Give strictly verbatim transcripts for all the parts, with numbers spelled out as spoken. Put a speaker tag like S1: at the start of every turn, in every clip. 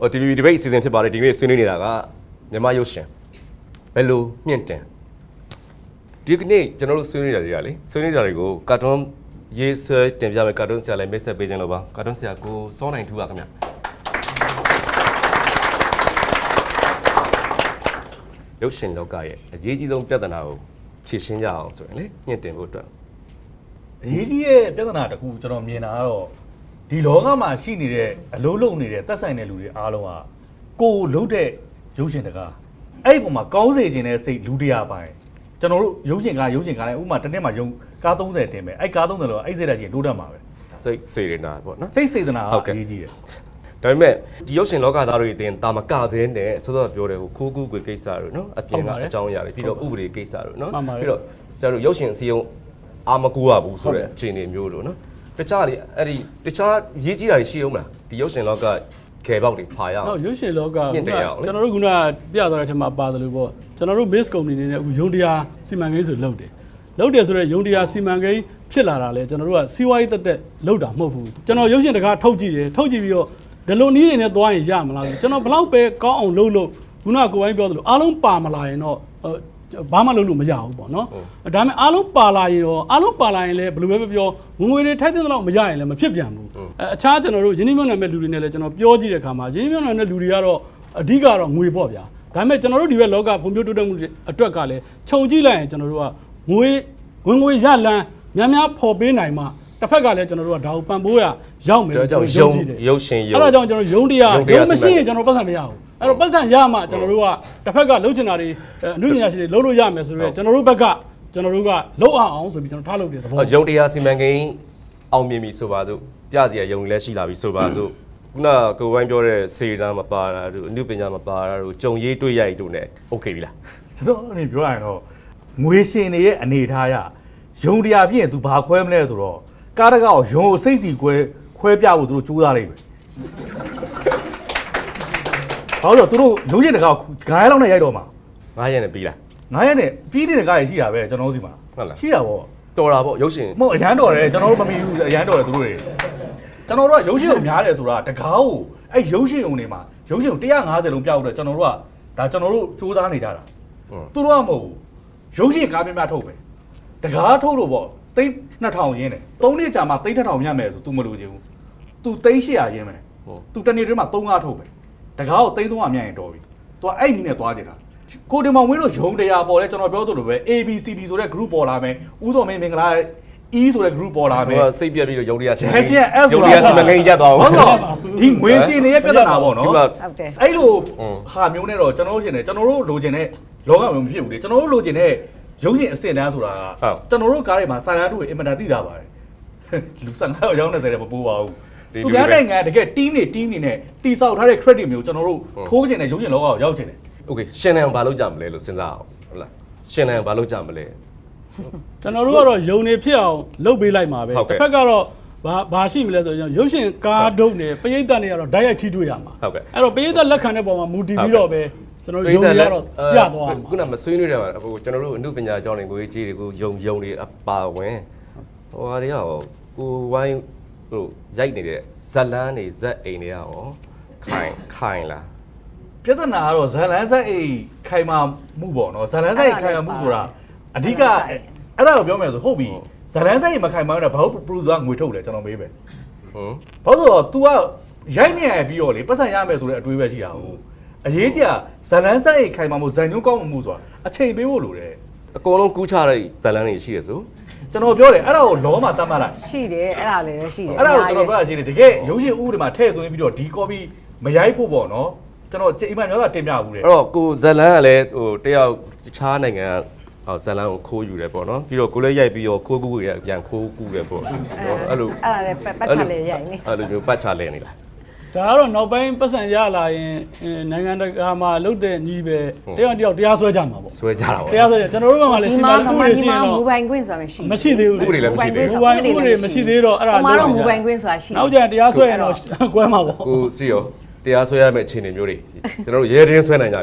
S1: ဟို T V B debate အစီအစဉ်ဖြစ်ပါတယ်ဒီနေ့ဆွေးနွေးနေတာကမြန်မာရုပ်ရှင်ဘယ်လိုမြင့်တင်ဒီကနေ့ကျွန်တော်တို့ဆွေးနွေးတာတွေကလေဆွေးနွေးတာတွေကိုကာတွန်းရေးဆွဲတင်ပြမယ်ကာတွန်းဆရာလည်းမိတ်ဆက်ပေးခြင်းလို့ပါကာတွန်းဆရာကိုစောနိုင်ထူပါခင်ဗျရုပ်ရှင်လောကရဲ့အရေးကြီးဆုံးပြဿနာကိုဖြေရှင်းကြအောင်ဆိုရင်လေမြင့်တင်ဖို့အတွက်
S2: အရေးကြီးရဲ့ပြဿနာတစ်ခုကျွန်တော်မြင်တာကတော့ဒီလောကမှာရှိနေတဲ့အလုံးလုံးနေတဲ့သက်ဆိုင်တဲ့လူတွေအားလုံးကကိုယ်လုံးတဲ့ရုပ်ရှင်တကားအဲ့ဒီပုံမှာကောင်းစေခြင်းနဲ့စိတ်လူတရားပိုင်းကျွန်တော်တို့ရုပ်ရှင်ကားရုပ်ရှင်ကားလည်းဥပမာတစ်နှစ်မှာရုံကား30တင်မယ်အဲ့ကား30လောအဲ့စိတ်ဓာတ်ကြီးတိုးတက်မှာပဲ
S1: စိတ်စေရနာပေါ့နော်
S2: စိတ်စေတနာအရေးကြီးတယ်
S1: ဒါပေမဲ့ဒီရုပ်ရှင်လောကသားတွေအတင်းတာမကဘဲနဲ့စောစောပြောတယ်ဟိုခိုးကူးကွေကိစ္စတွေနော်အပြင်ကအကြောင်းအရာတွေပြီးတော့ဥပဒေကိစ္စတွေနော်ပြီးတော့ဆရာတို့ရုပ်ရှင်အစည်းအရုံးအာမကူရဘူးဆိုတဲ့အခြေအနေမျိုးလို့နော်တခြားလေအဲ့ဒီတခြားရေးကြီးတာရှိအောင်မလားဒီရုပ်ရှင်လောကခဲပေါက်တွေဖာရအောင်
S3: ဟုတ်ရုပ်ရှင်လောကကျွန်တော်တို့ကပြသွားတဲ့အထက်မှာပါတယ်လို့ပေါ့ကျွန်တော်တို့ base company နေနဲ့အခုယုံတရားစီမံကိန်းဆိုလုပ်တယ်လုပ်တယ်ဆိုတော့ယုံတရားစီမံကိန်းဖြစ်လာတာလေကျွန်တော်တို့ကစီးပွားရေးတက်တက်လုပ်တာမဟုတ်ဘူးကျွန်တော်ရုပ်ရှင်တကားထုတ်ကြည့်တယ်ထုတ်ကြည့်ပြီးတော့ဒီလိုနည်းတွေနဲ့သွားရင်ရမလားကျွန်တော်ဘလောက်ပဲကောင်းအောင်လုပ်လို့ခုနကကိုယ်ပိုင်းပြောသလိုအားလုံးပါမလာရင်တော့ဘာမှလုပ်လို့မရဘူးပေါ့နော်ဒါပေမဲ့အားလုံးပါလာရင်ရောအားလုံးပါလာရင်လည်းဘယ်လိုပဲပြောငွေတွေထိုက်တဲ့လောက်မရရင်လည်းမဖြစ်ပြန်ဘူးအခြားကျွန်တော်တို့ယင်းနှိမ့်နယ်မဲ့လူတွေနဲ့လည်းကျွန်တော်ပြောကြည့်တဲ့အခါမှာယင်းနှိမ့်နယ်မဲ့လူတွေကတော့အဓိကတော့ငွေပေါ့ဗျာဒါပေမဲ့ကျွန်တော်တို့ဒီဘက်လောကဖွံ့ဖြိုးတိုးတက်မှုအတွက်ကလည်းခြုံကြည့်လိုက်ရင်ကျွန်တော်တို့ကငွေဝင်ငွေရလန်းများများပေါ်ပေးနိုင်မှတစ်ဖက်ကလည်းကျွန်တော်တို့ကဒါကိုပံ့ပိုးရရောက်မယ်
S1: ကျွန်တော်ရုံရုပ်ရှင်ရုံ
S3: အဲ့ဒါကြောင့်ကျွန်တော်ရုံတရားရုံမရှိရင်ကျွန်တော်ပတ်စံမရဘူးအဲ့တော့ပတ်စံရမှကျွန်တော်တို့ကတစ်ဖက်ကလှုပ်ချင်တာတွေအမှုပညာရှင်တွေလှုပ်လို့ရမယ်ဆိုတော့ကျွန်တော်တို့ဘက်ကကျွန်တော်တို့ကလှုပ်အောင်ဆိုပြီးကျွန်တော်ထားလုပ်တယ်သဘော
S1: ရုံတရားစီမံကိန်းအောင်မြင်ပြီဆိုပါစို့ပြစီရရုံလည်းရှိလာပြီဆိုပါစို့ခုနကိုဝိုင်းပြောတဲ့စေတနာမပါတာတို့အမှုပညာမပါတာတို့ကြုံရေးတွေ့ရိုက်တို့ ਨੇ โอเคပြီလား
S2: ကျွန်တော်အနေပြောရရင်တော့ငွေရှင်တွေရဲ့အနေထားရရုံတရားပြည့်ရင် तू ဘာခွဲမလဲဆိုတော့ကားတကောက်ရုံကိုစိတ်စီခွဲခွဲပြဖို့သူတို့ကြိုးစားလိုက်ပဲဘာလို့သူတို့ရုံးရင်တကောက်ဂိုင်းလောက်နဲ့ရိုက်တော့မှာ
S1: ငါးရက်နဲ့ပြီးလား
S2: ငါးရက်နဲ့ပြီးတဲ့ကားကြီးရှိတာပဲကျွန်တော်တို့စီမှာ
S1: ဟုတ်လား
S2: ရှိတာပေါ့
S1: တော်တာပေါ့ရုပ်ရှင်
S2: မဟုတ်အရန်တော်တယ်ကျွန်တော်တို့မမီဘူးအရန်တော်တယ်သူတို့တွေကျွန်တော်တို့ကရုပ်ရှင်ကိုများတယ်ဆိုတာတကားကိုအဲ့ရုပ်ရှင်ုံတွေမှာရုပ်ရှင်ကိုone fiftyလုံးပြောက်တော့ကျွန်တော်တို့ကဒါကျွန်တော်တို့စူးစမ်းနေကြတာသူတို့ကမဟုတ်ဘူးရုပ်ရှင်ကားပြပြထုတ်ပဲတကားထုတ်လို့ပေါ့သိန်းtwo thousandရင်းတယ်သုံးနှစ်ကြာမှသိန်းtwo thousandမြတ်မယ်ဆို तू မလို့ချင်ဘူး तू သိန်းeight hundredရင်းမယ် तू တနေ့တည်းမှာthreeထုတ်ပဲတကားကိုသိန်းthree hundredမြတ်ရင်တော်ပြီ तू အဲ့ဒီနဲ့သွားကြတာကိုတင်မောင်ဝင်းတို့ရုံတရားပေါ်လဲကျွန်တော်ပြောသလိုပဲ A B C D ဆိုတဲ့ group ပေါ်လာမယ်ဦးစောမင်းမင်္ဂလာ E ဆိုတဲ့ group ပေါ်လာမယ်
S1: ဟိုစိတ်ပြက်ပြီးတော့ရုံတရားစီမံကိန်းရုံတရားစီမံကိန်းရက်သွားအောင်
S2: ဟုတ်တော့ဒီငွေရှင်တွေရဲ့ပြဿနာပေါ့နော်ဟုတ်တယ်အဲ့လိုဟာမျိုးနဲ့တော့ကျွန်တော်တို့ရှင်တယ်ကျွန်တော်တို့လိုချင်တဲ့လောကမျိုးမဖြစ်ဘူးလေကျွန်တော်တို့လိုချင်တဲ့ရုပ်ရှင်အစင်တန်းဆိုတာကကျွန်တော်တို့ကားတွေမှာစာရန်တို့အင်မတန်သိတာပါတယ်လူfifteenရောက်ရောက်twentyတဲ့မပိုးပါဘူးသူများနိုင်ငံတကယ် team တွေ team တွေနဲ့တီဆောက်ထားတဲ့ credit မျိုးကျွန်တော်တို့ထိုးချင်တဲ့ရုပ်ရှင်လောကကိုရောက်ချင်တယ်
S1: โอเคရှင်နိုင်အောင်ဘာလုပ်ကြမလဲလို့စဉ်းစားအောင်ဟုတ်လားရှင်နိုင်အောင်ဘာလုပ်ကြမလဲ
S3: ကျွန်တော်တို့ကတော့ယုံနေဖြစ်အောင်လုပ်ပေးလိုက်မှာပဲတစ်ဖက်ကတော့ဘာဘာရှိမလဲဆိုရင်ရုပ်ရှင်ကားဒုတ်နဲ့ပရိသတ်တွေကတော့ direct ထိတွေ့ရမှာ
S1: ဟုတ်ကဲ့
S3: အဲ့တော့ပရိသတ်လက်ခံတဲ့ပုံမှာမူတည်ပြီးတော့ပဲကျွန်တော်ယုံရတော့ပြသွားမှာ
S1: ခုနမဆွေးနွေးတယ်မှာဟိုကျွန်တော်တို့အမှုပညာကျောင်းတွေကိုကြီးတွေကိုယုံယုံတွေအပါဝင်ဟိုဟာတွေရောကိုဝိုင်းဟိုရိုက်နေတဲ့ဇက်လန်းတွေဇက်အိမ်တွေရောခိုင်ခိုင်လား
S2: ပြဿနာကတော့ဇက်လန်းဇက်အိမ်ခိုင်မာမှုပေါ့နော်ဇက်လန်းဇက်အိမ်ခိုင်မာမှုဆိုတာအဓိကအဲ့ဒါကိုပြောမယ်ဆိုဟုတ်ပြီဇက်လန်းဇက်အိမ်မခိုင်မာတော့ဘာလို့ producer ငွေထုတ်လဲကျွန်တော်မေးပဲဟွန်းဘာလို့တော့ तू ကရိုက်နေရပြီးတော့လေပတ်စံရမယ်ဆိုတဲ့အတွေးပဲရှိတာဟုတ်အရေးကြီးဇလန်းဆိုင်ခိုင်မာမှုဇန်ညုံကောင်းမှုဆိုတာအချိန်ပေးဖို့လိုတယ်
S1: အကုန်လုံးကူးချတဲ့ဇလန်းတွေရှိရဆို
S2: ကျွန်တော်ပြောတယ်အဲ့ဒါကိုလောမှာတတ်မှတ်လိုက်
S4: ရှိတယ်အဲ့ဒါလည်းရှိတယ်
S2: အဲ့ဒါကိုကျွန်တော်ပြောတာရှိတယ်တကယ်ရုပ်ရှင်ဥပဒေမှာထည့်သွင်းပြီးတော့ဒီ copy မရိုက်ဖို့ပေါ့နော်ကျွန်တော်အိမ်မှာမျိုးကတင်ပြဘူးတယ်
S1: အဲ့တော့ကိုဇလန်းကလည်းဟိုတယောက်ခြားနိုင်ငံဟောဇလန်းကိုခိုးယူတယ်ပေါ့နော်ပြီးတော့ကိုလည်းရိုက်ပြီးတော့ခိုးကူးရပြန်ခိုးကူးတယ်ပေါ့
S4: အဲ့လိုအဲ့ဒါလည်းပတ်ချလေရိုက်နေ
S1: အဲ့လိုမျိုးပတ်ချလဲနေလား
S3: ဒါကတော့နောက်ပိုင်းပတ်စံရလာရင်နိုင်ငံတကာမှာလုတ်တဲ့ညီပဲတယောက်တယောက်တရားစွဲကြမှာပေါ့
S1: စွဲကြတာပေါ့
S3: တရားစွဲကြကျွန်တော်တို့ကမှလည်းရှင်းပါလို့ဥပဒေရှင်းတော့
S4: မူပိုင်ခွင့်ဆိုတာမရှိ
S3: မရှိသေးဘူး
S1: ဥပဒေလည်းမရှိသေး
S3: ဘူးဥပဒေဥပဒေမရှိသေးတော့အဲ့ဒါ
S4: လို့တော့မူပိုင်ခွင့်ဆိုတာရှိ
S3: နောက်ကျရင်တရားစွဲရင်တော့ကွဲမှာပေါ့
S1: ကိုစီရောတရားစွဲရမယ့်အခြေအနေမျိုးတွေကျွန်တော်တို့ရဲတင်းစွဲနိုင်ကြပြီလား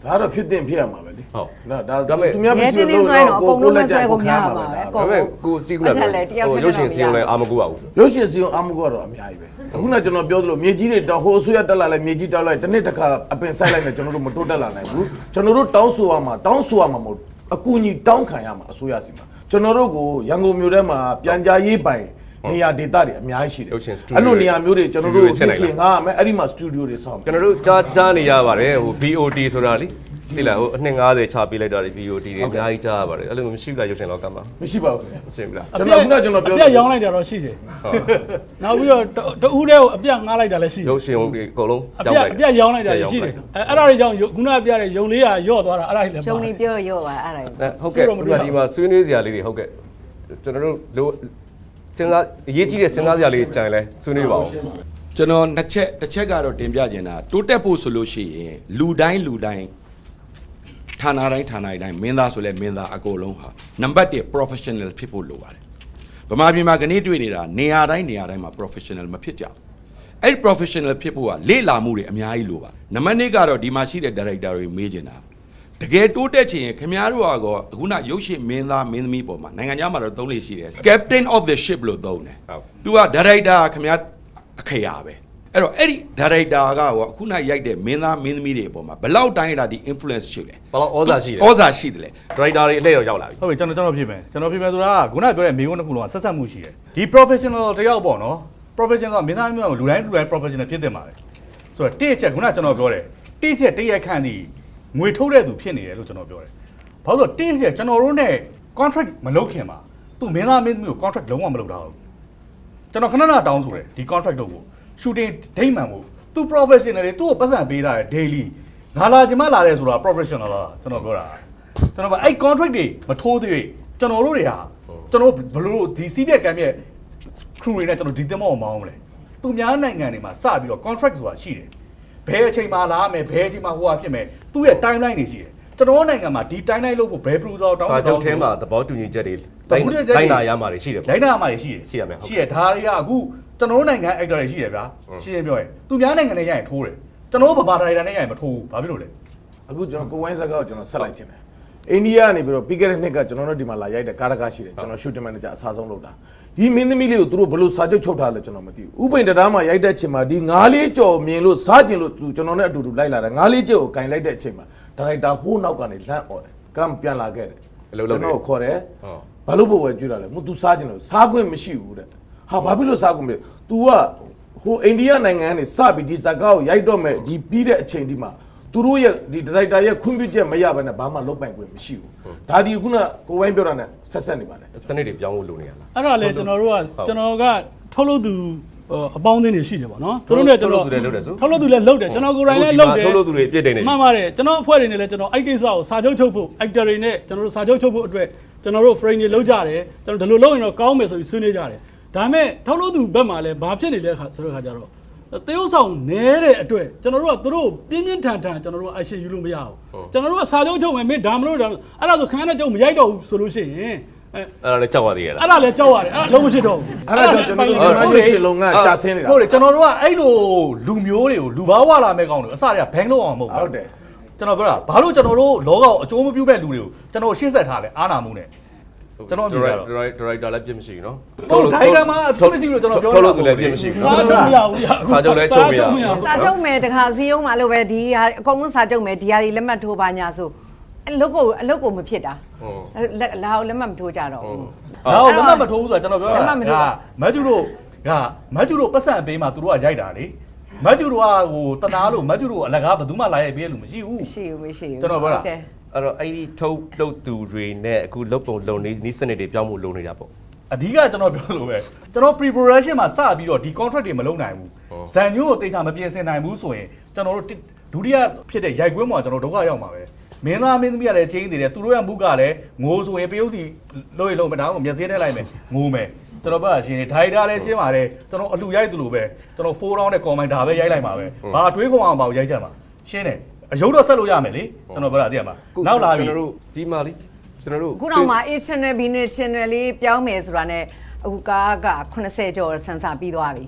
S5: ဒါတော့ဖြစ်တင်ဖြစ်ရမှာပဲလေ
S1: ဟုတ်
S5: နော်ဒါ
S1: ဒါပေမဲ့
S5: သူများမရှိလို့
S4: ရဲတင်းတင်းဆိုရင်တော့
S5: ကိုကိုလက်ချက်
S4: အကုန်
S5: ကို
S4: လုံး
S5: ခံရ
S4: ဆွဲ
S5: မှာ
S4: ကုန်
S5: ပဲ
S4: ရ
S5: ဒါ
S4: မှာပဲ
S1: ဒါပေမဲ့ကိုစတီကူလာ
S4: အချက်လည်းတယောက်
S1: ဟို
S4: တည်း
S1: ရုပ်ရှင်
S4: တော့
S1: စီယုံလည်းအာမကူပါဘူး
S5: ရုပ်ရှင်စီအောင်အမှုကတော့အများကြီးပဲအခုနကကျွန်တော်ပြောသလိုမြေကြီးတွေတောင်ဟိုအစိုးရတက်လာလိုက်မြေကြီးတောက်လိုက်တစ်နေ့တစ်ခါအပင်ဆိုင်လိုက်နေကျွန်တော်တို့မတိုးတက်လာနိုင်ဘူးကျွန်တော်တို့တောင်းဆိုရမှာတောင်းဆိုရမှာမဟုတ်အကူအညီတောင်းခံရမှာအစိုးရစီမှာကျွန်တော်တို့ကိုရန်ကုန်မြို့ထဲမှာပြန်ကြားရေးပိုင်နေရာဒေသတွေအများကြီးရှိတယ်အဲ့လိုနေရာမျိုးတွေကျွန်တော်တို့ဖြစ်ချင်ငါမယ်အဲ့ဒီမှာစတူဒီယိုတွေဆောင်း
S1: ကျွန်တော်တို့ကြားကြားနေရပါတယ်ဟို B O T ဆိုတာလေသိလားဟိုအနှစ်၅၀ချပေးလိုက်တာလေ B O T တွေအများကြီးကြားရပါတယ်အဲ့လိုမရှိဘူးလားရုပ်ရှင်လောကမှာ
S5: မရှိပါဘူးခင်ဗျ
S1: မရှိဘူးလား
S5: ကျွန်တော်ခုနကကျွန်တော်ပြော
S3: အပြက်ရောင်းလိုက်တာတော့ရှိတယ်နောက်ပြီးတော့တဦးတည်းကိုအပြက်ငှားလိုက်တာလည်းရှိတယ်
S1: ရုပ်ရှင်တွေအကုန်လုံး
S3: အပြက်အပြက်ရောင်းလိုက်တာလည်းရှိတယ်အဲအဲ့ဒါတွေကြောင့်ခုနကပြတဲ့ယုံလေးကရော့သွားတာအဲ့ဒါတွေလည်း
S4: ရှုံနေပြောရောပါအဲ့ဒါ
S1: ဟုတ်ကဲ့ဒီမှာဒီမှာဆွေးနွေးစရာလေးတွေဟုတ်ကဲ့ကျွန်တော်တို့လိုစဉ်းစားအရေးကြီးတဲ့စဉ်းစားစရာလေးကြံလဲဆွေးနွေးပါဦး
S6: ကျွန်တော်နှစ်ချက်တစ်ချက်ကတော့တင်ပြခြင်းတာတိုးတက်ဖို့ဆိုလို့ရှိရင်လူတိုင်းလူတိုင်းဌာနတိုင်းဌာနတိုင်းမင်းသားဆိုလဲမင်းသားအကုန်လုံးဟာနံပါတ်one professional ဖြစ်ဖို့လိုပါတယ်ဗမာပြည်မှာခဏတွေ့နေတာနေရာတိုင်းနေရာတိုင်းမှာ professional မဖြစ်ကြဘူးအဲ့ဒီ professional ဖြစ်ဖို့ကလေ့လာမှုတွေအများကြီးလိုပါနံပါတ်twoကတော့ဒီမှာရှိတဲ့ director တွေမေးချင်တာတကယ်တိုးတက်ချင်ရင်ခင်ဗျားတို့ကတော့အခုနရုပ်ရှင်မင်းသားမင်းသမီးပေါ်မှာနိုင်ငံခြားမှာတော့သုံးလေရှိတယ် captain of the ship လို့သုံးတယ်သူက director ခင်ဗျားအခရာပဲအဲ့တော့အဲ့ဒီ director ကရောအခုနရိုက်တဲ့မင်းသားမင်းသမီးတွေအပေါ်မှာဘယ်လောက်တိုင်းလာဒီ influence ရှိလဲ
S1: ဘယ်လောက်ဩဇာရှိလဲ
S6: ဩဇာရှိတယ်လေ
S1: director တွေအလှည့်ရောရောက်လာပြီ
S2: ဟုတ်ပြီကျွန်တော်ကျွန်တော်ဖြစ်မယ်ကျွန်တော်ဖြစ်မယ်ဆိုတာကခုနပြောတဲ့မိကုန်းတစ်ခုလုံးကဆက်ဆက်မှုရှိတယ်ဒီ professional တယောက်ပေါ့နော် professional ကမင်းသားမျိုးကလူတိုင်းလူတိုင်း professional ဖြစ်တယ်မှာပဲဆိုတော့တိချက်ခုနကျွန်တော်ပြောတယ်တိချက်တရက်ခန့်ဒီငွေထုတ်တဲ့သူဖြစ်နေတယ်လို့ကျွန်တော်ပြောတယ်ဘာလို့လဲတိချက်ကျွန်တော်တို့ ਨੇ contract မလုပ်ခင်မှာသူမင်းသားမင်းသမီးကို contract လုံးဝမလုပ်တာဘူးကျွန်တော်ခဏခဏတောင်းဆိုတယ်ဒီ contract တော့ကို shooting ဒိတ်မှန်ဖို့သူ professional တွေသူ့ကိုပတ်စံပေးတာ daily ငါလာကျမလာတယ်ဆိုတာ professional လားကျွန်တော်ပြောတာကျွန်တော်ကအဲ့ contract တွေမထိုးသေးကျွန်တော်တို့တွေဟာကျွန်တော်ဘလို့ဒီစီးပြက်ကမ်းပြက် crew တွေနဲ့ကျွန်တော်ဒီတင်မောက်မောင်းမလဲသူများနိုင်ငံတွေမှာစပြီးတော့ contract ဆိုတာရှိတယ်ဘယ်အချိန်မှလာမယ်ဘယ်အချိန်မှဟိုဟာဖြစ်မယ်သူ့ရဲ့ timeline တွေရှိတယ်ကျွန်တော်နိုင်ငံမှာဒီ timeline လို့ဖို့ဘယ် producer တောင်း
S1: စာချုပ်ထဲမှာသဘောတူညီချက်တွေတိုင်းနာရမှာတွေရှိတယ်
S2: လိုင်းနာမှာတွေရှိတယ်
S1: ရှိရမယ်ဟုတ်
S2: ရှိရဒါတွေကအခုကျွန်တော်တို့နိုင်ငံ actor တွေရှိတယ်ဗျာရှင်းရှင်းပြောရင်သူများနိုင်ငံနဲ့ရရင်ထိုးတယ်ကျွန်တော်တို့ဗမာတိုင်းနဲ့ရရင်မထိုးဘူးဘာဖြစ်လို့လဲ
S5: အခုကျွန်တော်ကိုဝိုင်းစကားကိုကျွန်တော်ဆက်လိုက်ခြင်းတယ်အိန္ဒိယကနေပြီးတော့ပြီးခဲ့တဲ့နှစ်ကကျွန်တော်တို့ဒီမှာလာရိုက်တဲ့ကားတကားရှိတယ်ကျွန်တော် shooting manager အစားဆုံးလုပ်တာဒီမင်းသမီးလေးကိုသူတို့ဘယ်လိုစာချုပ်ချုပ်ထားလဲကျွန်တော်မသိဘူးဥပိန်တရားမှာရိုက်တဲ့ချိန်မှာဒီငါးလေးကြော်မြင်လို့စားကျင်လို့သူကျွန်တော်နဲ့အတူတူလိုက်လာတယ်ငါးလေးကြော်ကိုကင်လိုက်တဲ့အချိန်မှာဒါရိုက်တာဟိုးနောက်ကနေလှမ်းអော်တယ်ကမ်ပြန်လာခဲ့တယ်ကျွန်တော်ခေါ်တယ်ဘာလို့ဘဝကျွေးတာလဲမ तू စားကျင်လို့စားခွင့်မရှိဘူးတဲ့ဟာဘာဖြစ်လို့စားခွင့်မလဲ तू ကဟိုအိန္ဒိယနိုင်ငံကနေစပြီးဒီဇာကားကိုရိုက်တော့မယ်ဒီပြီးတဲ့အချိန်ဒီမှာသူတို့ရဲ့ဒီဒါရိုက်တာရဲ့ခွင့်ပြုချက်မရဘဲနဲ့ဘာမှလုပ်ပိုင်ခွင့်မရှိဘူးဒါဒီခုနကိုဝိုင်းပြောတာနဲ့ဆက်ဆက်နေပါတယ်
S1: စနစ်တွေပြောင်းဖို့လိုနေရလား
S3: အဲ့ဒါလေကျွန်တော်တို့ကကျွန်တော်ကထုတ်လို့သူအပေါင်းအသင်းတွေရှိတယ်ပေါ့နော်သူတို့နဲ့ကျွန်တော်ထုတ်လို့သူလည်းလုပ်တယ်ကျွန်တော်ကိုယ်တိုင်လည်းလုပ်တယ်
S1: ထုတ်လို့သူတွေပြည့်တယ်နေ
S3: မှန်ပါတယ်ကျွန်တော်အဖွဲ့တွေနဲ့လည်းကျွန်တော်အဲ့ကိစ္စကိုစာချုပ်ချုပ်ဖို့ actor တွေနဲ့ကျွန်တော်တို့စာချုပ်ချုပ်ဖို့အတွက်ကျွန်တော်တို့ frame တွေလုပ်ကြတယ်ကျွန်တော်ဒီလိုလုပ်ရင်တော့ကောင်းမယ်ဆိုပြီးဆွေးနွေးကြတယ်ဒါပေမဲ့ထုတ်လို့သူဘက်မှာလည်းဘာဖြစ်နေလဲဆိုတဲ့ခါကျတော့တရုတ်ဆောင်နဲတဲ့အတွက်ကျွန်တော်တို့ကသူတို့ပြင်းပြင်းထန်ထန်ကျွန်တော်တို့ action ယူလို့မရဘူးကျွန်တော်တို့ကစာချုပ်ချုပ်မယ်မင်းဒါမလို့ဒါအဲ့ဒါဆိုခင်ဗျားနဲ့ကြုံမရိုက်တော့ဘူးဆိုလို့ရှိရင်
S1: အဲ့ဒါလည်းကြောက်ရသေးရလား
S3: အဲ့ဒါလည်းကြောက်ရတယ်အဲ့ဒါလုံးမဖြစ်တော့ဘူး
S5: အဲ့ဒါကြောင့်ကျွန်တော်တို့ဒီမှာရှင်လုံးကကြာဆင်းနေတာ
S2: ဟုတ်တယ်ကျွန်တော်တို့ကအဲ့လိုလူမျိုးတွေကိုလူဘာဝလာမဲ့ကောင်းတယ်အစတွေကဘန်းလို့အောင်မဟုတ်ဘူး
S5: ဟုတ်တယ်
S2: ကျွန်တော်ပြောတာဘာလို့ကျွန်တော်တို့လောကအကျိုးမပြုမဲ့လူတွေကိုကျွန်တော်ရှေ့ဆက်ထားလဲအားနာမှုနဲ့ကျွန်တော်မြင်ရတော့
S1: director လည်းပြည့်မရှိဘူးနော်
S2: ဟုတ်ဒိုင်ဂရမ်မှာအထူးမရှိဘူးလို့ကျွန်တော်ပြောတာ
S1: ထုတ်လို့သူလည်းပြည့်မရှိဘူး
S3: စာ
S1: နော်
S3: ချုပ်မရဘူး
S1: စာချုပ်လည်းချုပ်မရဘူး
S4: စာချုပ်မယ်တခါစီးရုံးမှာလို့ပဲဒီဟာအကုန်လုံးစာချုပ်မယ်ဒီဟာတွေလက်မှတ်ထိုးပါညာဆိုအလုပ်ကိုအလုပ်ကိုမဖြစ်တာလာအောင်လက်မှတ်မထိုးကြတော့ဘူး
S2: ဒါတော့လက်မှတ်မထိုးဘူးဆိုတော့ကျွန်တော်ပြောတာကမတ်ဂျူတို့ကမတ်ဂျူတို့ပတ်စံပေးမှသူတို့ကရိုက်တာလေမတ်ဂျူတို့ကဟိုတနာလို့မတ်ဂျူတို့အလကားဘယ်သူမှလာရိုက်ပေးလို့မရှိဘူး
S4: မရှိဘူးမရှိဘူး
S2: ကျွန်တော်ပြောတာ
S4: တယ်
S1: အဲ့တော့အဲ့ဒီထုတ်လုပ်သူတွေနဲ့အခုလုပ်ပုံလုပ်နေနီးစနစ်တွေပြောင်းဖို့လိုနေတာပေါ့
S2: အဓိကကျွန်တော်ပြောလို့ပဲကျွန်တော် pre production မှာစပြီးတော့ဒီ contract တွေမလုပ်နိုင်ဘူးဇန်ညိုးကိုတိတ်တာမပြင်ဆင်နိုင်ဘူးဆိုရင်ကျွန်တော်တို့ဒုတိယဖြစ်တဲ့ရိုက်ကွင်းမှာကျွန်တော်ဒုက္ခရောက်မှာပဲမင်းသားမင်းသမီးကလည်းချင်းနေတယ်သူတို့ရဲ့မှုကလည်းငိုဆိုရင်ပယုတ်စီလို့ရလို့မတောင်းဘူးမျက်စိထဲလိုက်မယ်ငိုမယ်ကျွန်တော်ပြောရှင်နေဒိုင်တာလည်းရှင်းပါတယ်ကျွန်တော်အလူရိုက်သူလိုပဲကျွန်တော် four round နဲ့ comment ဒါပဲရိုက်လိုက်မှာပဲဘာတွေးခွန်အောင်ပါရိုက်ချက်မှာရှင်းတယ်အယုတ်တော့ဆက်လို့ရမယ်လေကျွန်တော်ပြောတာသိရမှာနောက်လာပြီ
S1: ကျွန်တော်တို့ဒီမှာလေကျွန်တော်တို့
S4: ခုတော့မှ A channel B channel လေးပြောင်းမယ်ဆိုတာနဲ့အခုကားကeightyကျော်ဆန်စာပြီးသွားပြီ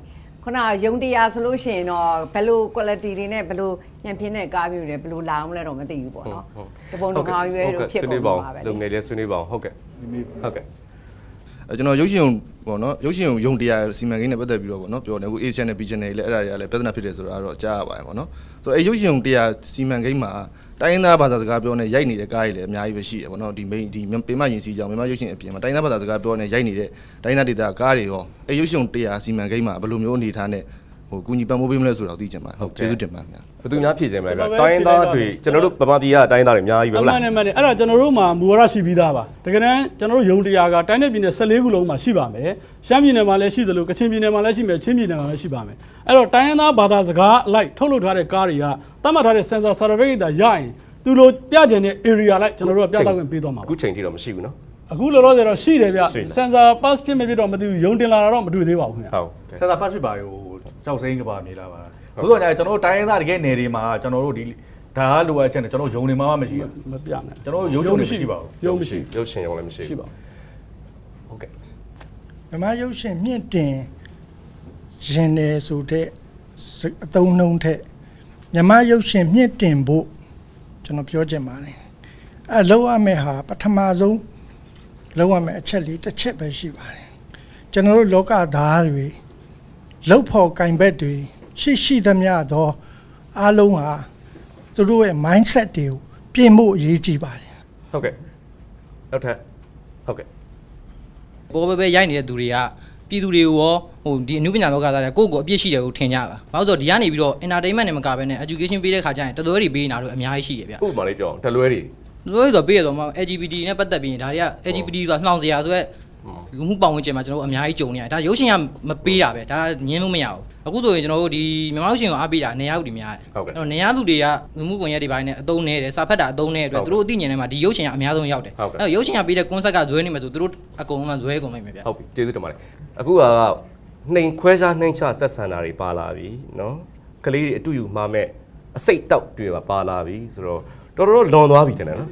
S4: ခုနရုံတရားဆိုလို့ရှိရင်တော့ဘယ်လို quality တွေနဲ့ဘယ်လိုညံပြင်းတဲ့ကားမျိုးတွေဘယ်လိုလာအောင်လဲတော့မသိဘူးပေါ့နော်တပုံတကောင်ရွယ်လို့ဖြစ်ကုန်ပါပဲ
S1: လုံငယ်လေးဆွေးနွေးပါအောင်ဟုတ်ကဲ့ဟုတ်ကဲ့
S7: အဲကျွန်တော်ရုပ်ရှင်ပေါ့နော်ရုပ်ရှင်ရုံတရားစီမံကိန်းနဲ့ပတ်သက်ပြီးတော့ပေါ့နော်ပြောတယ်အခု A channel B channel လည်းအဲ့ဒါတွေကလည်းပြဿနာဖြစ်တယ်ဆိုတာကတော့ကြားရပါတယ်ပေါ့နော်ဆိုတော့အဲရုပ်ရှင်တရားစီမံကိန်းမှာတိုင်းရင်းသားဘာသာစကားပြောနေရိုက်နေတဲ့ကားတွေလည်းအများကြီးပဲရှိတယ်ပေါ့နော်ဒီ main ဒီပေမရင်စီကြောင်မြန်မာရုပ်ရှင်အပြင်မှာတိုင်းရင်းသားဘာသာစကားပြောနေရိုက်နေတဲ့တိုင်းရင်းသားဒေသကားတွေရောအဲရုပ်ရှင်တရားစီမံကိန်းမှာဘယ်လိုမျိုးအနေထားနဲ့ဟိုကူညီပံ့ပိုးပေးမလဲဆိုတာကိုသိချင်ပါတယ်ဟုတ်ကျေးဇူးတင်ပါတယ်ခင်ဗျာ
S1: ဘယ်သူများဖြည့်ခြင်းမလဲဗျတိုင်းရင်းသားတွေကျွန်တော်တို့ဗမာပြည်ကတိုင်းရင်းသားတွေအများကြီးပဲဟုတ်လား
S3: မှန်တယ်မှန်တယ်အဲ့ဒါကျွန်တော်တို့မှာမူဝါဒရှိပြီးသားပါတကယ်တမ်းကျွန်တော်တို့ယုံတရားကတိုင်းနယ်ပြည်နယ်၁၄ခုလုံးမှာရှိပါမယ်ရှမ်းပြည်နယ်မှာလည်းရှိသလိုကချင်ပြည်နယ်မှာလည်းရှိမယ်ချင်းပြည်နယ်မှာလည်းရှိပါမယ်အဲ့တော့တိုင်းရင်းသားဘာသာစကားအလိုက်ထုတ်လုပ်ထားတဲ့ကားတွေကသတ်မှတ်ထားတဲ့ sensor certificate တာရရင်သူတို့ပြကျင်တဲ့ area လိုက်ကျွန်တော်တို့ကပြသခွင့်ပေးသွားမှာပါ
S1: အခုချိန်ထိတော့မရှိဘူးနော်
S3: အခုလောလောဆယ်တော့ရှိတယ်ဗျ sensor pass ဖြစ်မဖြစ်တော့မသိဘူးယုံတင်လာတာတော့မတွေ့သေးပါဘူးခင်ဗျ
S1: ဟုတ်
S2: ဆန်စာပတ်ဖြစ်ပါရောကြောက်စိမ်းကပါမြေလာပါသို့တော်ညာကျွန်တော်တို့တိုင်းရင်းသားတကယ်နယ်တွေမှာကျွန်တော်တို့ဒီဒါကလိုအပ်ချက်နဲ့ကျွန်တော်ယုံနေမှာမရှိဘူး
S3: မပြနိုင်
S2: ကျွန်တော်ရုပ်ရုံမရှိပါဘူး
S3: ယုံမရှိ
S1: ရုပ်ရှင်ရုံလည်းမရှိ
S3: ရှိ
S1: ဘူး
S3: ပါ
S1: ဟုတ်ကဲ့
S8: မြမရုပ်ရှင်မြင့်တင်ရင်နေဆိုတဲ့အသုံးနှုန်းထက်မြမရုပ်ရှင်မြင့်တင်ဖို့ကျွန်တော်ပြောချင်ပါတယ်အဲလောက်ရမယ့်ဟာပထမဆုံးလောက်ရမယ့်အချက်လေးတစ်ချက်ပဲရှိပါတယ်ကျွန်တော်တို့လောကသားတွေလောက်ဖို့ကင်ဘက်တွေရှိရှိသမျှသောအားလုံးဟာသူတို့ရဲ့ mindset တွေကိုပြင်ဖို့အရေးကြီးပါတယ်
S1: ဟုတ်ကဲ့နောက်ထပ်ဟုတ်ကဲ့
S9: ပေါ်ပဲပဲရိုက်နေတဲ့သူတွေကပြည်သူတွေကိုရောဟိုဒီအနုပညာလောကသားတွေကိုယ့်ကိုယ်အပြစ်ရှိတယ်ကိုထင်ကြပါဘာလို့ဆိုတော့ဒီကနေပြီးတော့ entertainment နဲ့မကဘဲနဲ့ education ပေးတဲ့ခါကျရင်တလွဲတွေပေးနေတာတို့အများကြီးရှိရဗျ
S1: ဥပမာလေးပြောအောင်တလွဲတွေ
S9: တလွဲဆိုပေးရတော့မှ L G B T နဲ့ပတ်သက်ပြီးဒါတွေက L G B T ဆိုတာနှောင်စရာဆိုရဲလူမှုပတ်ဝန်းကျင်မှာကျွန်တော်တို့အများကြီးကြုံနေရတယ်ဒါရုပ်ရှင်ကမပေးတာပဲဒါညင်းလို့မရဘူးအခုဆိုရင်ကျွန်တော်တို့ဒီမြန်မာရုပ်ရှင်ကိုအားပေးတာနေရာဥတီများတယ်အဲ့တော့နေရာသူတွေကလူမှုကွန်ရက်တွေပိုင်းနဲ့အသုံးနေတယ်စာဖတ်တာအသုံးနေတဲ့အတွက်သူတို့အသိဉာဏ်ထဲမှာဒီရုပ်ရှင်ကအများဆုံးရောက်တယ်အဲ့တော့ရုပ်ရှင်ကပေးတဲ့ concept ကဇွဲနေမှာဆိုသူတို့အကုန်လုံးကဇွဲကုန်နိုင်မယ်ဗျ
S1: ဟုတ်ပြီကျေးဇူးတင်ပါတယ်အခုကနှိမ်ခွဲခြားနှိမ်ချဆက်ဆံတာတွေပါလာပြီနော်ကလေးတွေအတူယူမှာမဲ့အစိတ်တောက်တွေပါပါလာပြီဆိုတော့တော်တော်လွန်သွားပြီတင်တယ်နော်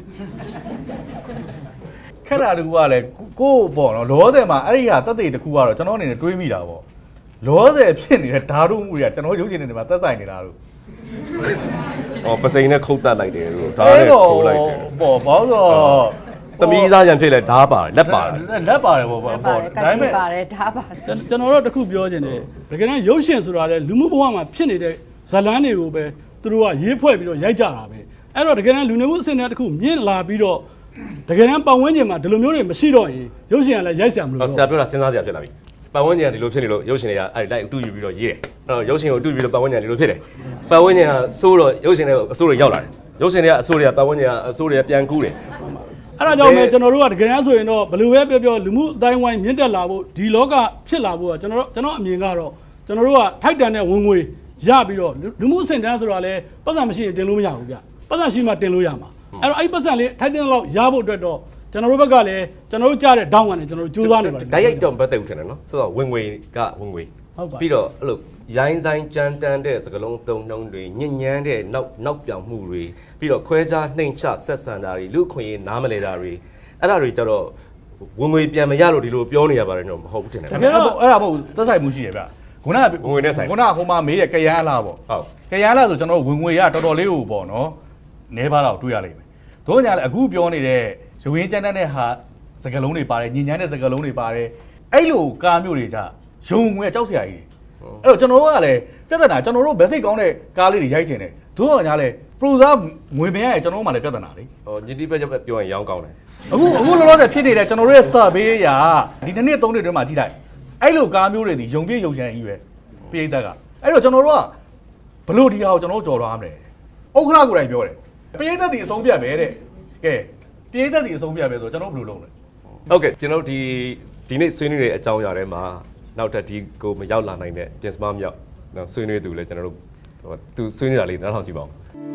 S2: ခက်တာတကူကလည်းကိုယ့်ပေါ့နော်လောတယ်မှာအဲ့ဒီဟာတက်တဲ့တကူကတော့ကျွန်တော်အနေနဲ့တွေးမိတာပေါ့လောတယ်ဖြစ်နေတဲ့ဓာတ်မှုတွေကကျွန်တော်ရုပ်ရှင်တွေမှာသက်ဆိုင်နေတာလို့
S1: ။အော်ပစိန်နဲ့ခုတ်တက်လိုက်တယ်လို့ဒါနဲ့ထိုးလိုက်တယ်
S2: ပေါ့ဘောဆို
S1: ။သမီးသားရံဖြစ်လဲဓားပါတယ်လက်ပါတယ်
S2: လက်ပါတယ်ပေါ့ပေါ့
S4: ပါ
S2: ပေါ့
S4: တယ်က
S2: ဒါပေ
S4: တိ
S2: မဲ့
S4: ပါတယ်ဒါပါတယ်
S3: ကျွန်တော်တို့တစ်ခုပြောချင်တယ်တကယ်တမ်းရုပ်ရှင်ဆိုတာလေလူမှုဘဝမှာဖြစ်နေတဲ့ဇာတ်လမ်းတွေကိုပဲသူတို့ကရေးဖွဲ့ပြီးတော့ရိုက်ကြတာပဲအဲ့တော့တကယ်တမ်းလူနေမှုအဆင့်အတန်းတစ်ခုမြင့်လာပြီးတော့တကယ်တမ်းပတ်ဝန်းကျင်မှာဒီလိုမျိုးတွေမရှိတော့ရင်ရုပ်ရှင်ကလည်းရိုက်ဆရာမ
S1: ။
S3: လို့
S1: အော်ဆရာပြောတာစဉ်းစားစရာဖြစ်လာပြီ။ပတ်ဝန်းကျင်ကဒီလိုဖြစ်နေလို့ရုပ်ရှင်တွေကအဲ့လိုက်အတူယူပြီးတော့ရေးတယ်။အဲ့တော့ရုပ်ရှင်ကိုအတူယူပြီးတော့ပတ်ဝန်းကျင်ကဒီလိုဖြစ်တယ်။ပတ်ဝန်းကျင်ကစိုးတော့ရုပ်ရှင်တွေအစိုးတွေရောက်လာတယ်။ရုပ်ရှင်တွေကအစိုးတွေကပတ်ဝန်းကျင်ကအစိုးတွေကပြန်ကူးတယ်
S3: အဲ့ဒါကြောင့်ပဲကျွန်တော်တို့ကတကယ်တမ်းဆိုရင်တော့ဘယ်လိုပဲပြောပြောလူမှုအတိုင်းဝိုင်းမြင့်တက်လာဖို့ဒီလောကဖြစ်လာဖို့ကကျွန်တော်တို့ကျွန်တော်အမြင်ကတော့ကျွန်တော်တို့ကထိုက်တန်တဲ့ဝင်ငွေရပြီးတော့လူမှုအဆင့်တန်းဆိုတာလဲပတ်စံမရှိရင်တင်လို့မရဘူးဗျပတ်စံရှိမှတင်လို့ရမှာအဲ့တော့အဲ့ပတ်စံလေးထိုက်တဲ့လောက်ရဖို့အတွက်တော့ကျွန်တော်တို့ဘက်ကလည်းကျွန်တော်တို့ကြားတဲ့ဒေါင်းကနေကျွန်တော်တို့စူးစမ်းနေပါတယ်
S1: ။ဓာတ်ရိုက်တော့မပတ်သက်ဘူးထင်တယ်နော်။ဆိုတော့ဝင်ငွေကဝင်ငွေ
S3: ဟုတ်ပါ
S1: ပြီးတော့အဲ့လိုရိုင်းဆိုင်ကြမ်းတမ်းတဲ့စကလုံးသုံးနှုံးတွေညဉ့်ညမ်းတဲ့နောက်နောက်ပြောင်မှုတွေပြီးတော့ခွဲခြားနှိမ်ချဆက်ဆံတာတွေလူအခွင့်အရေးနားမလဲတာတွေအဲ့ဒါတွေကြတော့ဝင်ငွေပြန်မရလို့ဒီလိုပြောနေရပါတယ်တော့မဟုတ်ဘူးတင်တယ်
S2: တကယ်တော့အဲ့ဒါမဟုတ်သက်ဆိုင်မှုရှိရဗျခုနက
S1: ဝင်ငွေနဲ့ဆိုင်
S2: ခုနကဟိုမှာမေးတဲ့ကရန်လားပေါ့
S1: ဟုတ်
S2: ကရန်လားဆိုကျွန်တော်ဝင်ငွေရတော်တော်လေးကိုပေါ့နော်နဲပါတော့တွေ့ရလိမ့်မယ်တို့ညာလည်းအခုပြောနေတဲ့ရုံရင်းကျန်းတဲ့ဟာစကလုံးတွေပါတယ်ညဉ့်ညမ်းတဲ့စကလုံးတွေပါတယ်အဲ့လိုကားမျိုးတွေကြရုံငွေကြောက်စရာကြီးအဲ့တော့ကျွန်တော်တို့ကလည်းပြဿနာကျွန်တော်တို့ဘယ်စိတ်ကောင်းတဲ့ကားလေးတွေရိုက်ချင်တယ်တို့ညာလည်းပရိုဇာငွေမရရင်ကျွန်တော်တို့မှလည်းပြဿနာလေ
S1: ဟောညတိပဲပြောရင်ရောင်းကောင်းတယ်
S2: အခုအခုလောလောဆယ်ဖြစ်နေတဲ့ကျွန်တော်တို့ရဲ့ survey ရာဒီနှစ်နှစ်သုံးနှစ်တွင်းမှာထိလိုက်အဲ့လိုကားမျိုးတွေဒီယုံပြည့်ယုံချမ်းကြီးပဲပြိတ္တကအဲ့တော့ကျွန်တော်တို့ကဘလို့ဒီဟာကိုကျွန်တော်တို့ကြော်လွှားမလဲဥက္ခရကိုယ်တိုင်ပြောတယ်ပြိတ္တဒီအဆုံးပြတ်ပဲတဲ့ကဲပြိတ္တဒီအဆုံးပြတ်ပဲဆိုကျွန်တော်ဘယ်လိုလုပ်လဲ
S1: ဟုတ်ကဲ့ကျွန်တော်ဒီဒီနေ့ဆွေးနွေးတဲ့အကြောင်းအရာတွေမှာနောက်ထပ်ဒီကိုမရောက်လာနိုင်တဲ့ပြင်စမမြောက်နော်ဆွေးနွေးသူလည်းကျွန်တော်တို့ဟိုသူဆွေးနွေးတာလေးနားထောင်ကြည့်ပါဦး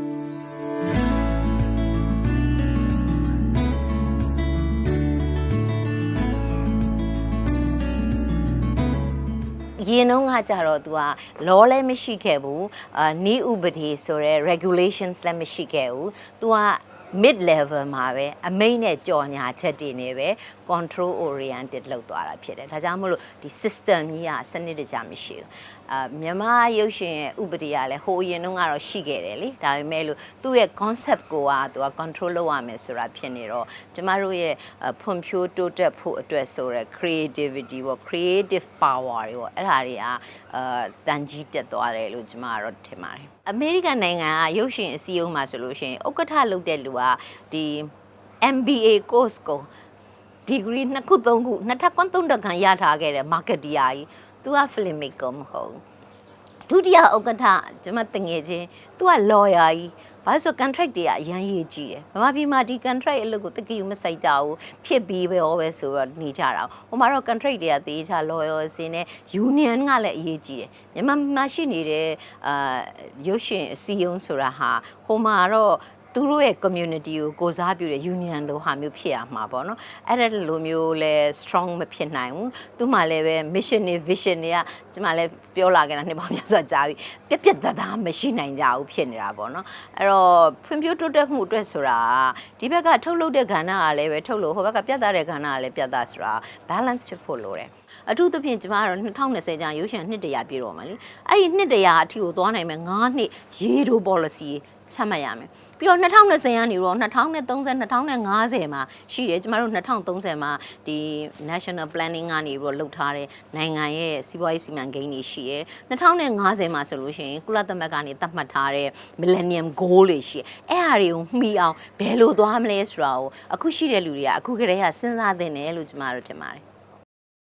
S10: ရင်တော့ကကြတော့ तू က law လည်းမရှိခဲ့ဘူးအာနီးဥပဒေဆိုရဲ regulations လည်းမရှိခဲ့ဘူး तू က mid level မှာပဲအမိန့်နဲ့ကြော်ညာချက်တွေနေပဲ control oriented လောက်သွားတာဖြစ်တယ်ဒါကြောင့်မလို့ဒီ system ကြီးကစနစ်တကျမရှိဘူးအာမြန်မာရုပ်ရှင်ရဲ့ဥပဒေကလည်းဟိုအရင်တုန်းကတော့ရှိခဲ့တယ်လေဒါပေမဲ့လို့သူ့ရဲ့ concept ကိုကသူက control လုပ်ရမယ်ဆိုတာဖြစ်နေတော့ကျမတို့ရဲ့ဖွံ့ဖြိုးတိုးတက်ဖို့အတွက်ဆိုရယ် creativity ပေါ့ creative power တွေပေါ့အဲ့ဒါတွေကအာတန်ကြီးတက်သွားတယ်လို့ကျမကတော့ထင်ပါတယ်အမေရိကန်နိုင်ငံကရုပ်ရှင်အစည်းအဝေးမှာဆိုလို့ရှိရင်ဥက္ကဋ္ဌလုပ်တဲ့လူကဒီ M B A course ကို degree နှစ်ခုသုံးခုနှစ်ထပ်ကွန်းသုံးတက်ခံရထားခဲ့တယ် marketer ကြီးသူက filmmaker မဟုတ်ဒုတိယဥက္ကဋ္ဌကျွန်မတငယ်ချင်းသူက lawyer ကြီးဘာလို့ဆို contract တွေကအရန်ရေးကြည့်တယ်။ဘာမှပြီးမှဒီ contract အလုပ်ကိုတကယ်မစိုက်ကြဘူးဖြစ်ပြီးပဲရောပဲဆိုတော့နေကြတာ။ဟိုမှာတော့ contract တွေကတေးချ lawyer စင်းနဲ့ union ကလည်းအရေးကြီးတယ်။မြန်မာမှာရှိနေတဲ့အာရုပ်ရှင်အစည်းအရုံးဆိုတာဟာဟိုမှာတော့သူတို့ရဲ့ community ကိုကိုစားပြုတဲ့ union လိုဟာမျိုးဖြစ်ရမှာပေါ့နော်အဲ့ဒါလိုမျိုးလဲ strong မဖြစ်နိုင်ဘူးသူမှလည်းပဲ mission နဲ့ vision တွေကကျမလည်းပြောလာခဲ့တာနှစ်ပေါင်းများစွာကြာပြီပြက်ပြက်သားသားမရှိနိုင်ကြဘူးဖြစ်နေတာပေါ့နော်အဲ့တော့ဖွံ့ဖြိုးတိုးတက်မှုအတွက်ဆိုတာဒီဘက်ကထုတ်လုပ်တဲ့ကဏ္ဍကလည်းပဲထုတ်လို့ဟိုဘက်ကပြတ်သားတဲ့ကဏ္ဍကလည်းပြတ်သားဆိုတာ balance ဖြစ်ဖို့လိုတယ်အထူးသဖြင့်ကျမတို့၂၀၂၀ကျန်ရုပ်ရှင်နှစ်တရာပြည့်တော့မှာလေအဲ့ဒီနှစ်တရာအထိကိုသွားနိုင်မယ်၅နှစ်ရေတို policy ချမှတ်ရမယ်ပြီးတော့၂၀၂၀ကနေတော့၂၀၃၀ ၂၀၅၀မှာရှိတယ်ကျမတို့၂၀၃၀မှာဒီ national planning ကနေပြီးတော့လုပ်ထားတဲ့နိုင်ငံရဲ့စီးပွားရေးစီမံကိန်းတွေရှိတယ်၂၀၅၀မှာဆိုလို့ရှိရင်ကုလသမဂ္ဂကနေသတ်မှတ်ထားတဲ့ millennium goal တွေရှိတယ်အဲ့ဟာတွေကိုမှီအောင်ဘယ်လိုသွားမလဲဆိုတာကိုအခုရှိတဲ့လူတွေကအခုကတည်းကစဉ်းစားသင့်တယ်လို့ကျမတို့ထင်ပါတယ်